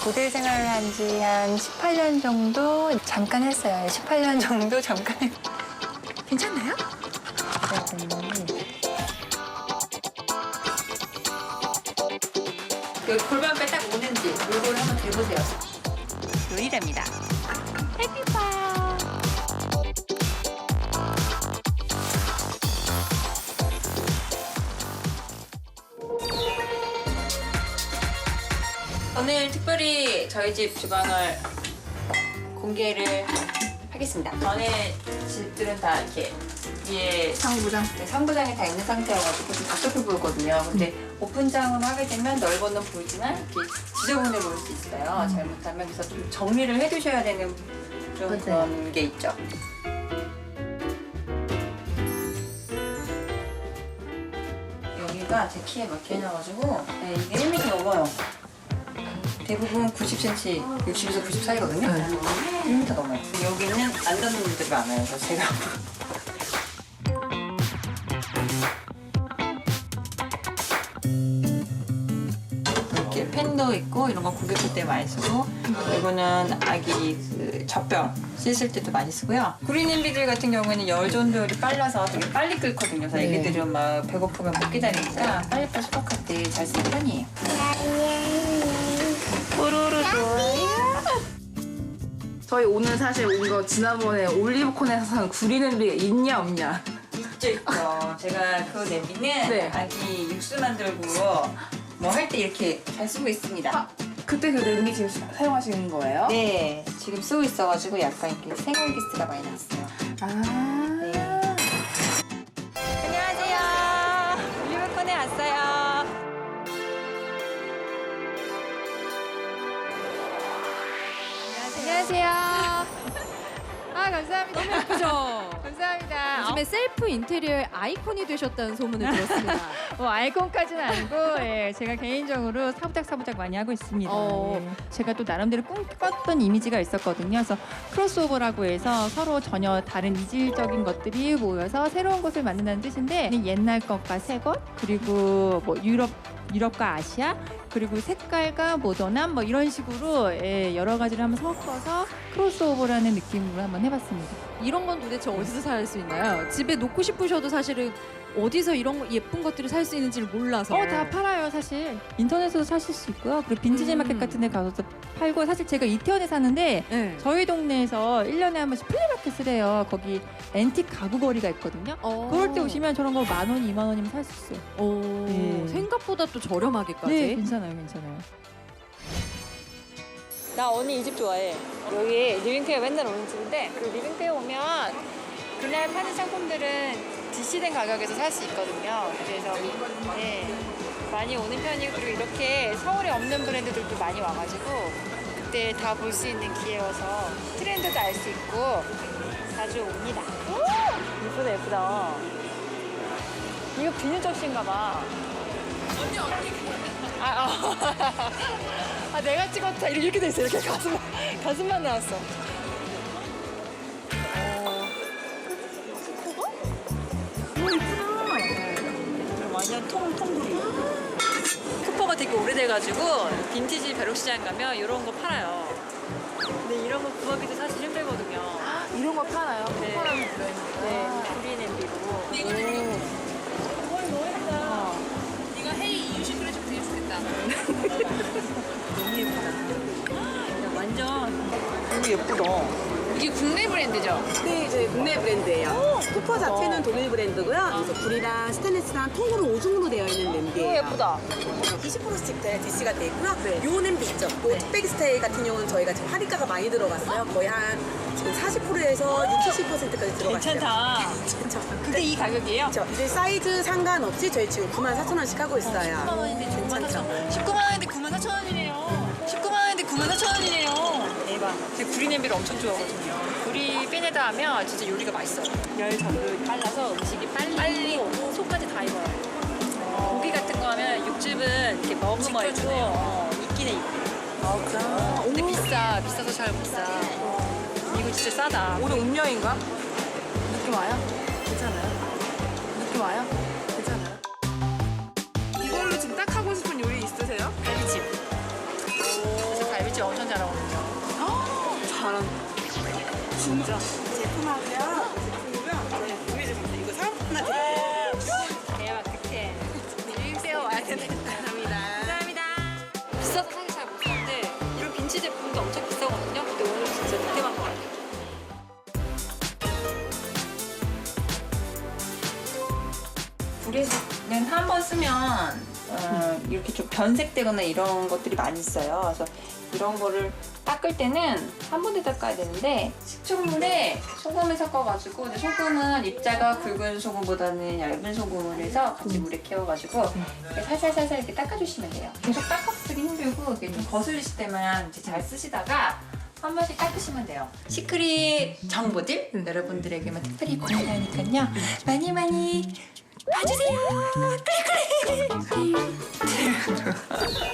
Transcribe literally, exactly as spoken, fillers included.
모델 생활을 한 지 한 십팔 년 정도 잠깐 했어요. 십팔 년 정도 잠깐 했 괜찮나요? 여기 골반뼈 딱 오는지 이걸 한번 대보세요. 요리랍니다. 오늘 특별히 저희 집 주방을 공개를 하겠습니다. 전에 집들은 다 이렇게 위에 상부장. 네, 상부장이 다 있는 상태여가지고 좀 답답해 보이거든요. 근데 오픈장으로 하게 되면 넓은 건 보이지만 이렇게 지저분해 보일 수 있어요. 음. 잘못하면 그래서 좀 정리를 해두셔야 되는 좀 맞아요. 그런 게 있죠. 여기가 제 키에 맞게 해놔가지고 네, 이게 일 미터 넘어요. 대부분 구십 센티미터, 육십에서 구십 사이거든요. 네. 일 미터 넘어요. 여기는 안 닿는 분들이 많아요. 그래서 제가 이렇게 펜도 있고 이런 거 구겼을 때 많이 쓰고, 이거는 아기 그 젖병 씻을 때도 많이 쓰고요. 구리냄비들 같은 경우에는 열 전도율이 빨라서 되게 빨리 끓거든요. 그래서 네. 애기들은 막 배고프면 못 기다리니까 빨리빨리 수박할 때 잘 쓰는 편이에요. 뽀로로 좋아요. 저희 오늘 사실 온 거 지난번에 올리브콘에서 산 구리 냄비가 있냐 없냐. 있죠, 있죠. 제가 그 냄비는 네. 아기 육수 만들고 뭐 할 때 이렇게 잘 쓰고 있습니다. 아, 그때 그 냄비 지금 사- 사용하시는 거예요? 네, 지금 쓰고 있어가지고 약간 이렇게 생활기스가 많이 났어요. 아. 네. 안녕하세요. 올리브콘에 왔어요. 안녕하세요. 아 감사합니다. 너무 예쁘죠? 감사합니다. 요즘에 셀프 인테리어의 아이콘이 되셨다는 소문을 들었습니다. 어, 뭐 아이콘까지는 아니고 예, 제가 개인적으로 사부작 사부작 많이 하고 있습니다. 어. 예. 제가 또 나름대로 꿈꿨던 이미지가 있었거든요. 그래서 크로스오버라고 해서 서로 전혀 다른 이질적인 것들이 모여서 새로운 것을 만든다는 뜻인데 옛날 것과 새 것, 그리고 뭐 유럽 유럽과 아시아, 그리고 색깔과 모던함 뭐 이런 식으로 예, 여러 가지를 한번 섞어서 크로스오버라는 느낌으로 한번 해봤습니다. 이런 건 도대체 어디서 살 수 있나요? 집에 놓고 싶으셔도 사실은 어디서 이런 거- 예쁜 것들을 살 수 있는지를 몰라서. 어, 다 팔아요, 사실. 인터넷으로 사실 수 있고요. 그리고 빈티지 음. 마켓 같은 데 가서도 팔고, 사실 제가 이태원에 사는데 네. 저희 동네에서 일 년에 한 번씩 플리마켓을 해요. 거기 앤틱 가구 거리가 있거든요. 어. 그럴 때 오시면 저런 거 만 원, 이만 원이면 살 수 있어요. 어. 네. 생각보다 또 저렴하게까지. 네, 괜찮아요, 괜찮아요. 나 언니 이 집 좋아해. 여기 리빙페어 맨날 오는 집인데, 그 리빙페어 오면 그날 파는 상품들은 디씨된 가격에서 살 수 있거든요. 그래서 네, 많이 오는 편이고, 그리고 이렇게 서울에 없는 브랜드들도 많이 와가지고 그때 다 볼 수 있는 기회여서 트렌드도 알 수 있고 자주 옵니다. 오! 예쁘다, 예쁘다. 이거 비누 접시인가 봐. 언니 언니 아, 어. 아 내가 찍었다 이렇게 돼 있어. 이렇게 가슴 가슴만 나왔어. 오 이쁘다. 완전 통통구리. 쿠퍼가 되게 오래돼가지고 빈티지 벼룩시장 가면 이런 거 팔아요. 근데 이런 거 구하기도 사실 힘들거든요. 이런 거 파나요? 네. 쿠퍼라는 브랜드. 네, 구리 냄비로. 오, 너무 예쁘다. 이거 헤이 이유식 그래 좀 되게 좋겠다. 너무 예쁘다. 야, 완전 너무 예쁘다. 이게 국내 브랜드죠? 네, 저희 국내 브랜드예요. 쿠퍼 자체는 독일 브랜드고요. 그래서 불이랑 스테인리스랑 통으로 오중으로 되어 있는 너무 냄비예요. 예쁘다. 이십 퍼센트씩 디씨가 돼 있고요. 요 냄비 있죠. 요 뚝배기 스타일 같은 경우는 저희가 지금 할인가가 많이 들어갔어요. 거의 한 지금 사십 퍼센트에서 육십, 칠십 퍼센트까지 들어갔어요. 괜찮다. 괜찮죠. 근데 이 가격이에요? 그렇죠. 이제 사이즈 상관없이 저희 지금 구만 사천 원씩 하고 십구만 있어요. 원인데 구만 사천 원. 십구만 원인데 구만 사천 원이네요. 십구만 원인데 구만 사천 원이네요. 대박. 제가 구리 냄비를 엄청 좋아하거든요. 구리 팬에다 하면 진짜 요리가 맛있어요. 열 전도 빨라서 음식이 빨리, 빨리 오고 속까지 다 익어요. 고기 같은 거 하면 육즙은 이렇게 머금어 있고 어, 있긴 해 있고. 아, 그래요? 근데 비싸. 비싸서 잘 못 사. 이거 진짜 싸다. 오늘 운명인가? 느낌 와요? 괜찮아요? 느낌 와요? 괜찮아요? 이걸로 지금 딱 하고 싶은 요리 있으세요? 갈비찜. 그래서 갈비찜 잘하거든요. 잘한다. 진짜 제품하고요. 제품이고요. 네, 보여드립니다. 이거 사은품 하나 드릴게요. 대박 특혜. 밀배워 와야 되네. 감사합니다. 감사합니다. 비싸서 사실 잘 못 사는데 이런 빈치 제품도 엄청 비싸거든요. 근데 오늘 진짜 득템한 것 같아요. 구리는 한 번 쓰면 어, 이렇게 좀 변색되거나 이런 것들이 많이 있어요. 그래서 이런 거를 닦을 때는 한 번에 닦아야 되는데 식초물에 소금을 섞어가지고 근데 소금은 입자가 굵은 소금보다는 얇은 소금을 해서 같이 물에 깨워가지고 이렇게 살살살살 이렇게 닦아주시면 돼요. 계속 닦아쓰기 힘들고 이렇게 좀 거슬리실 때만 이제 잘 쓰시다가 한 번씩 닦으시면 돼요. 시크릿 정보들 여러분들에게만 특별히 공개하니까요. 많이 많이 봐주세요. 클릭 클릭.